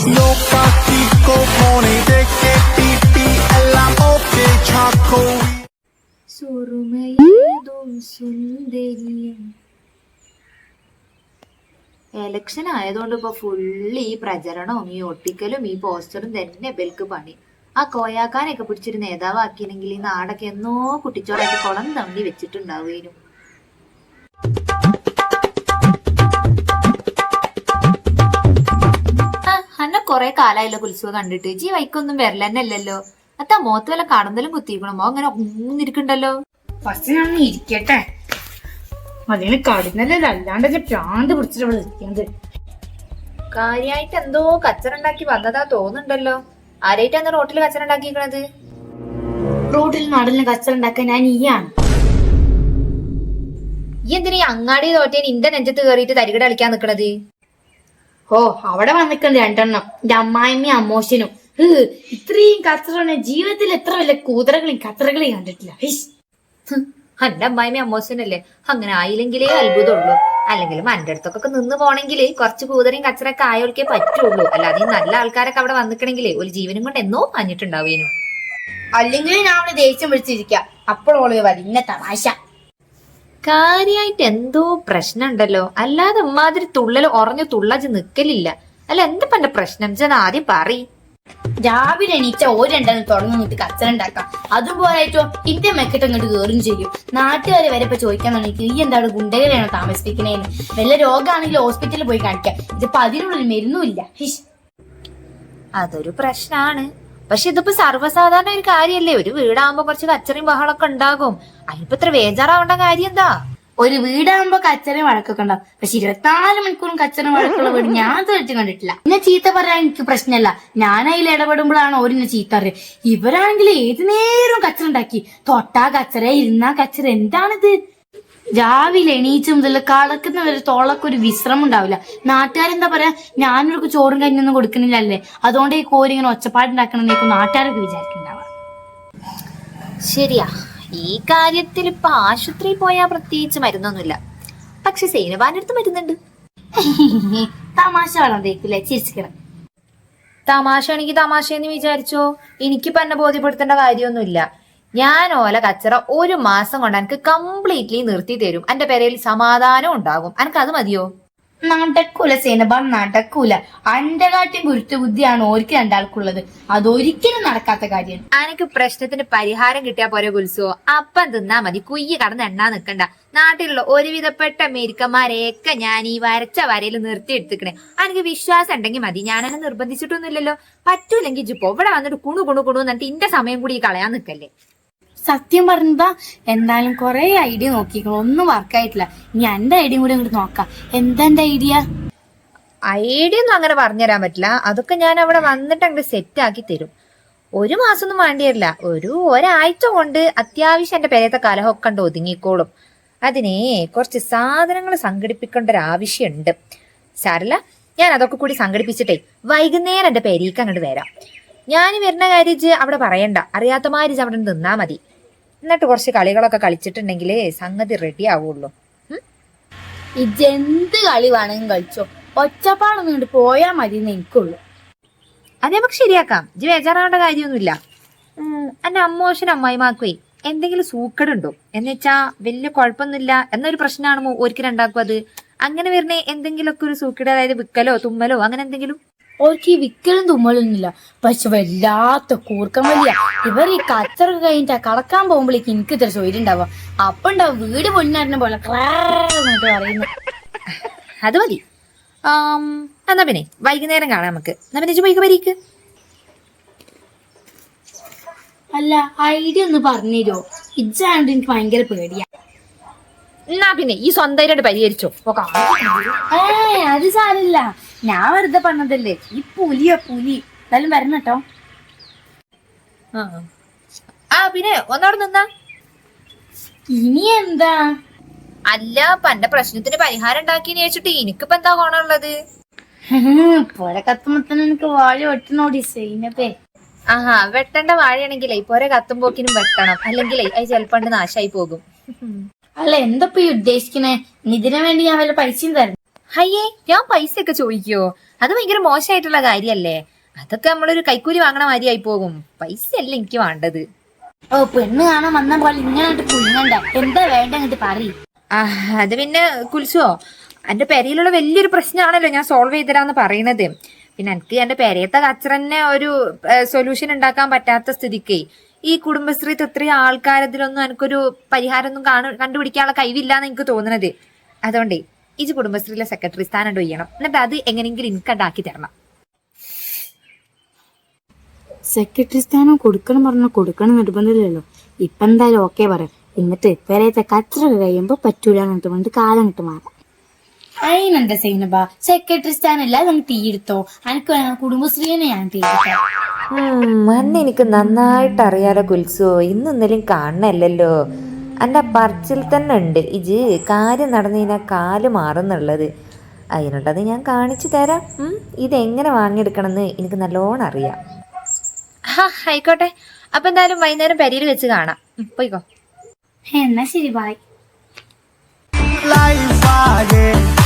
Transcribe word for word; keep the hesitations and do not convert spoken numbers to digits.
Loca, chico, pone, de que pipi, എല്ലാം okay, chaco. സുറുമയേതും സുന്ദരിയും. എലക്ഷൻ ആയതുകൊണ്ട് ഇപ്പൊ ഫുള്ള് ഈ പ്രചരണവും ഈ ഒട്ടിക്കലും ഈ പോസ്റ്ററും തന്നെ ബെൽക്ക് പണി. ആ കോയാക്കാനൊക്കെ പിടിച്ചൊരു നേതാവാക്കിയെങ്കിൽ ഈ നാടൊക്കെ എന്നോ കുട്ടിച്ചോടായിട്ട് കുളം തണ്ടി വെച്ചിട്ടുണ്ടാവുകയും. അന്നെ കൊറേ കാലായല്ലോ കുൽസുവ കണ്ടിട്ട്. ജി വൈക്കൊന്നും വരലെന്നല്ലോ. അത്താ മോത്ത് വല്ല കടന്നലും കുത്തിക്കണമോ? അങ്ങനെ ഊന്നിരിക്കണ്ടല്ലോ. ഫസ്റ്റ് ഞാൻ ഇരിക്കട്ടെ, അതിന് കടന്നല്ലോ, അല്ലാണ്ട് പ്രാന്ത് പിടിച്ചിട്ട് ഇരിക്കുന്നത്. കാര്യായിട്ട് എന്തോ കച്ചറുണ്ടാക്കി വന്നതാ തോന്നുന്നുണ്ടല്ലോ. ആരായിട്ടാണ് റോട്ടിൽ കച്ചറുണ്ടാക്കിക്കണത്? റോഡിൽ നടലിന് കച്ചറുണ്ടാക്കാൻ ഞാൻ ഈയാണ്. ഈ എന്തിനാ അങ്ങാടി തോറ്റേന് ഇന്റെ നെഞ്ചത്ത് കയറിയിട്ട് തരികട കളിക്കാൻ നിക്കണത്? ഓ, അവിടെ വന്നിട്ടുണ്ട് രണ്ടെണ്ണം, എന്റെ അമ്മായിമ്മയും അമ്മോശനും. ഇത്രയും കച്ചറ ജീവിതത്തിൽ എത്ര വല്ല കൂതറകളെയും കച്ചറകളെയും കണ്ടിട്ടില്ല. എന്റെ അമ്മായിമ്മ അമ്മോശനല്ലേ, അങ്ങനെ ആയില്ലെങ്കിലേ അത്ഭുതമുള്ളൂ. അല്ലെങ്കിലും എന്റെ അടുത്തൊക്കെ നിന്ന് പോണെങ്കിൽ കുറച്ച് കൂതറയും കച്ചറൊക്കെ ആയോൾക്കേ പറ്റുള്ളൂ. അല്ലാതെ ഈ നല്ല ആൾക്കാരൊക്കെ അവിടെ വന്നിക്കണെങ്കിലേ ഒരു ജീവനും കൊണ്ട് എന്നോ മഞ്ഞിട്ടുണ്ടാവേനു. അല്ലെങ്കിൽ ഞാൻ അവിടെ ദേഷ്യം പിടിച്ചിരിക്ക, അപ്പോഴോള് വലിയ തമാശ. കാര്യായിട്ട് എന്തോ പ്രശ്നം ഉണ്ടല്ലോ. അല്ലാതെ ഉമ്മാതിരി തുള്ളൽ ഉറഞ്ഞു തുള്ളച്ച് നിക്കലില്ല. അല്ല എന്താ എന്റെ പ്രശ്നം ചെന്ന് ആദ്യം പറ. രാവിലെ എണീച്ച ഒരു രണ്ടെണ്ണം തുറന്നു നിന്നിട്ട് കച്ചറ ഉണ്ടാക്കാം. അതുപോലെയായിട്ടോ ഇന്റെ മെക്കിട്ട് അങ്ങോട്ട് കയറും ചെയ്യും. നാട്ടുകാരെ വരെ ഇപ്പൊ ചോദിക്കാൻ തുടങ്ങി, ഈ എന്താണ് ഗുണ്ടകളെയാണോ താമസിപ്പിക്കണേന്ന്? വല്ല രോഗമാണെങ്കിൽ ഹോസ്പിറ്റലിൽ പോയി കാണിക്കാം. ഇതിപ്പോ അതിനുള്ളൊരു മരുന്നുമില്ല. അതൊരു പ്രശ്നാണ്. പക്ഷെ ഇതിപ്പോ സർവ്വസാധാരണ ഒരു കാര്യല്ലേ. ഒരു വീടാകുമ്പോ കുറച്ച് കച്ചറയും ബഹളൊക്കെ ഉണ്ടാകും. അതിനിപ്പോ ഇത്ര വേജാറാവേണ്ട കാര്യം എന്താ? ഒരു വീടാകുമ്പോ കച്ചറയും വഴക്കൊക്കെ ഉണ്ടാവും. പക്ഷെ ഇരുപത്തിനാല് മണിക്കൂറും കച്ചറയും വഴക്കുള്ള വീട് ഞാൻ തീർച്ചയായും കണ്ടിട്ടില്ല. എന്നെ ചീത്ത പറയാൻ എനിക്ക് പ്രശ്നമല്ല, ഞാൻ അതിൽ ഇടപെടുമ്പോഴാണ് ഓരെന്നെ ചീത്ത അറിയുക. ഇവരാണെങ്കിൽ ഏത് നേരവും കച്ചറ ഉണ്ടാക്കി, തൊട്ടാ കച്ചറ ഇരുന്നാ കച്ചറ. എന്താണിത്? രാവിലെ എണീച്ച് മുതൽ കളക്കുന്നവര് തോളൊക്കെ വിശ്രമം ഉണ്ടാവില്ല. നാട്ടുകാരെന്താ പറയാ, ഞാനൊരു ചോറും കഞ്ഞൊന്നും കൊടുക്കുന്നില്ലല്ലേ, അതുകൊണ്ട് ഈ കോരി ഇങ്ങനെ ഒച്ചപ്പാടുണ്ടാക്കണമെന്നേക്കും നാട്ടുകാരൊക്കെ വിചാരിക്കുന്നുണ്ടാവുക. ശരിയാ, ഈ കാര്യത്തിൽ ഇപ്പൊ ആശുപത്രിയിൽ പോയാൽ പ്രത്യേകിച്ച് മരുന്നൊന്നുമില്ല. പക്ഷെ സൈനബാന്റെ അടുത്ത് മരുന്നുണ്ട്. തമാശ വളർന്നേക്കില്ലേ, ചിരിച്ചിക്കണം. തമാശ ആണെങ്കിൽ തമാശയെന്ന് വിചാരിച്ചോ. എനിക്കിപ്പോ എന്നെ ബോധ്യപ്പെടുത്തേണ്ട കാര്യമൊന്നുമില്ല. ഞാൻ ഓല കച്ചറ ഒരു മാസം കൊണ്ട് എനിക്ക് കംപ്ലീറ്റ്ലി നിർത്തി തരും. എന്റെ പേരയിൽ സമാധാനം ഉണ്ടാകും. എനിക്ക് അത് മതിയോ? നടക്കൂല സേനബ, നടക്കൂല. അന്റെ കാട്ടിയും ഗുരുത്വ ബുദ്ധിയാണ് ഓർക്ക് രണ്ടാൾക്കുള്ളത്. അതൊരിക്കലും നടക്കാത്ത കാര്യം. എനിക്ക് പ്രശ്നത്തിന് പരിഹാരം കിട്ടിയാ പോരെ കുൽസോ. അപ്പം തിന്നാ മതി, കുയ്യ് കടന്ന് എണ്ണാ നിക്കണ്ട. നാട്ടിലുള്ള ഒരുവിധപ്പെട്ട അമേരിക്കന്മാരെയൊക്കെ ഞാൻ ഈ വരച്ച വരയിൽ നിർത്തി എടുത്തിക്കണേ. എനിക്ക് വിശ്വാസം ഉണ്ടെങ്കിൽ മതി. ഞാനെന്നെ നിർബന്ധിച്ചിട്ടൊന്നുമില്ലല്ലോ. പറ്റൂലെങ്കിൽ ഇജിപ്പോ ഇവിടെ വന്നിട്ട് കുണു കുണു കുണു എന്നിട്ട് ഇന്റെ സമയം കൂടി കളയാൻ നിക്കല്ലേ. സത്യം പറഞ്ഞതാ, എന്തായാലും കൊറേ ഐഡിയ നോക്കിക്കണം, ഒന്നും വർക്കായിട്ടില്ല. ഇനി എന്റെ ഐഡിയ കൂടി അങ്ങോട്ട് നോക്കാം. എന്താ എന്റെ ഐഡിയ? ഐഡിയ ഒന്നും അങ്ങനെ പറഞ്ഞുതരാൻ പറ്റില്ല. അതൊക്കെ ഞാൻ അവിടെ വന്നിട്ട് അങ്ങോട്ട് സെറ്റ് ആക്കി തരും. ഒരു മാസം ഒന്നും വേണ്ടിയല്ല, ഒരു ഒരാഴ്ച കൊണ്ട് അത്യാവശ്യം എന്റെ പേരത്തെ കലഹമൊക്കെ ഉണ്ട് ഒതുങ്ങിക്കോളും. അതിനെ കുറച്ച് സാധനങ്ങൾ സംഘടിപ്പിക്കേണ്ട ഒരു ആവശ്യമുണ്ട്. സാരല്ല, ഞാൻ അതൊക്കെ കൂടി സംഘടിപ്പിച്ചിട്ടേ വൈകുന്നേരം എന്റെ പേരേക്ക് അങ്ങോട്ട് വരാം. ഞാൻ വരുന്ന കാര്യം അവിടെ പറയണ്ട, അറിയാത്ത മാതിരി അവിടെ നിന്നാ മതി. എന്നിട്ട് കുറച്ച് കളികളൊക്കെ കളിച്ചിട്ടുണ്ടെങ്കിൽ സംഗതി റെഡി ആവുള്ളൂ. ഇജെന്ത് കളി വേണമെങ്കിലും കളിച്ചോ, ഒച്ചപ്പാടൊന്നും ഇങ്ങോട്ട് പോയാ മതി എന്ന് എനിക്കുള്ളൂ. അത് നമുക്ക് ശരിയാക്കാം. ഇജ് ബേജാറാവേണ്ട കാര്യമൊന്നുമില്ല. എന്റെ അമ്മോശനും അമ്മായിമാക്കുവേ എന്തെങ്കിലും സൂക്കടുണ്ടോ എന്ന് വെച്ചാ വലിയ കുഴപ്പമൊന്നുമില്ല എന്നൊരു പ്രശ്നമാണോ ഒരിക്കലും ഉണ്ടാക്കും. അത് അങ്ങനെ വരുന്നേ എന്തെങ്കിലുമൊക്കെ ഒരു സൂക്കട്, അതായത് വിക്കലോ തുമ്മലോ അങ്ങനെ എന്തെങ്കിലും. ഓർക്ക് ഈ വിക്കലും തുമ്മലൊന്നുമില്ല, പക്ഷെ വല്ലാത്ത കൂർക്കം വലിയ. ഇവർ ഈ കച്ചറൊക്കെ കഴിഞ്ഞിട്ടാ കടക്കാൻ പോകുമ്പോഴേക്ക് എനിക്ക് ഇത്ര ചോദ്യം ഉണ്ടാവുക. അപ്പൊ ഉണ്ടാവും വീട് പൊന്നാരുന്ന പോലെ പറയുന്നു. അത് മതി. എന്നാ പിന്നെ വൈകുന്നേരം കാണാം നമുക്ക്. എന്നാ പിന്നെ പോയിക്ക് വരീക്ക്. അല്ല, ഐഡിയ ഒന്ന് പറഞ്ഞുതരോ? ഇജ്ജാണ്ട് എനിക്ക് ഭയങ്കര പേടിയാ. എന്നാ പിന്നെ ഈ സ്വന്തമായിട്ട് പരിഹരിച്ചോ. ഏ അത് സാരില്ല, ഞാൻ വെറുതെ പറഞ്ഞതല്ലേ. ഈ പുലിയോ പുലി എന്തായാലും വരണം കേട്ടോ. ആ പിന്നെ ഒന്നോടെ നിന്നാ. ഇനി എന്താ? അല്ല, ഇപ്പൊ എന്റെ പ്രശ്നത്തിന് പരിഹാരം ഉണ്ടാക്കിയെന്ന് ചോദിച്ചിട്ട് എനിക്കിപ്പോ എന്താ ഗുണമുള്ളത്? പോലെ കത്തുമ്പത്തന്നെ എനിക്ക് വാഴ വെട്ടണോടി സൈനപ്പേ. ആഹാ, വെട്ടേണ്ട വാഴയാണെങ്കിലേ പോരെ കത്തുമ്പോക്കിനും വെട്ടണം, അല്ലെങ്കിലേ അത് ചിലപ്പോ നാശായി പോകും. അല്ല, എന്തപ്പോ ഈ ഉദ്ദേശിക്കണേ? ഇതിനു വേണ്ടി ഞാൻ വല്ല പൈസയും തരണം? അയ്യേ, ഞാൻ പൈസ ഒക്കെ ചോദിക്കോ? അത് ഭയങ്കര മോശമായിട്ടുള്ള കാര്യല്ലേ? അതൊക്കെ നമ്മളൊരു കൈക്കൂലി വാങ്ങണ മാതിരിയായി പോകും. പൈസ അല്ല എനിക്ക് വേണ്ടത്. ഓ പെണ്ണ് കാണാൻ വന്ന പോലെ ഇങ്ങനെ കുഞ്ഞണ്ട. എന്താ വേണ്ട എന്നിട്ട് പറയും. ആ അത് പിന്നെ കുൽസുവോ, എന്റെ പെരയിലുള്ള വലിയൊരു പ്രശ്നമാണല്ലോ ഞാൻ സോൾവ് ചെയ്തരാന്ന് പറയണത്. പിന്നെ എനിക്ക് എന്റെ പെരയത്തെ കച്ചറന്നെ ഒരു സൊല്യൂഷൻ ഉണ്ടാക്കാൻ പറ്റാത്ത സ്ഥിതിക്ക് ഈ കുടുംബശ്രീ ഇത്രയും ആൾക്കാരതിലൊന്നും എനിക്കൊരു പരിഹാരം ഒന്നും കാണു കണ്ടുപിടിക്കാനുള്ള കഴിവില്ലാന്ന് എനിക്ക് തോന്നുന്നത്. അതുകൊണ്ടേ ഈ കുടുംബശ്രീയിലെ സെക്രട്ടറി സ്ഥാനം ചെയ്യണം. എന്നിട്ട് അത് എങ്ങനെയെങ്കിലും എനിക്ക് ഉണ്ടാക്കി തരണം. സെക്രട്ടറി സ്ഥാനം കൊടുക്കണം പറഞ്ഞാൽ കൊടുക്കണം നിർബന്ധമില്ലല്ലോ. ഇപ്പൊ എന്തായാലും ഓക്കെ പറയാം. എന്നിട്ട് പെരയത്തെ കച്ചറൊക്കെ കഴിയുമ്പോ പറ്റൂല എന്നിട്ട് പറഞ്ഞിട്ട് കാലം കിട്ട് മാറാം. അതിനെന്താ സൈനബ, സെക്രട്ടറി സ്ഥാനല്ല നമുക്ക് തീയെടുത്തോ. എനിക്ക് കുടുംബശ്രീനെ ഞാൻ തീർക്കാം. അന്ന് എനിക്ക് നന്നായിട്ട് അറിയാലോ കുൽസോ, ഇന്നും ഇന്നലെയും കാണണല്ലോ. എൻ്റെ പറച്ചിൽ തന്നെ ഉണ്ട് ഇജ് കാര്യം നടന്നു കഴിഞ്ഞാൽ കാല് മാറുന്നുള്ളത്. അതിനുള്ളത് ഞാൻ കാണിച്ചു തരാം. ഇതെങ്ങനെ വാങ്ങിയെടുക്കണമെന്ന് എനിക്ക് നല്ലോണം അറിയാം. ഹാ ആയിക്കോട്ടെ. അപ്പൊ എന്തായാലും വൈകുന്നേരം പെരയിൽ വെച്ച് കാണാം. പോയിക്കോ. എന്നാ ശരി, ബായ്. life ആകെ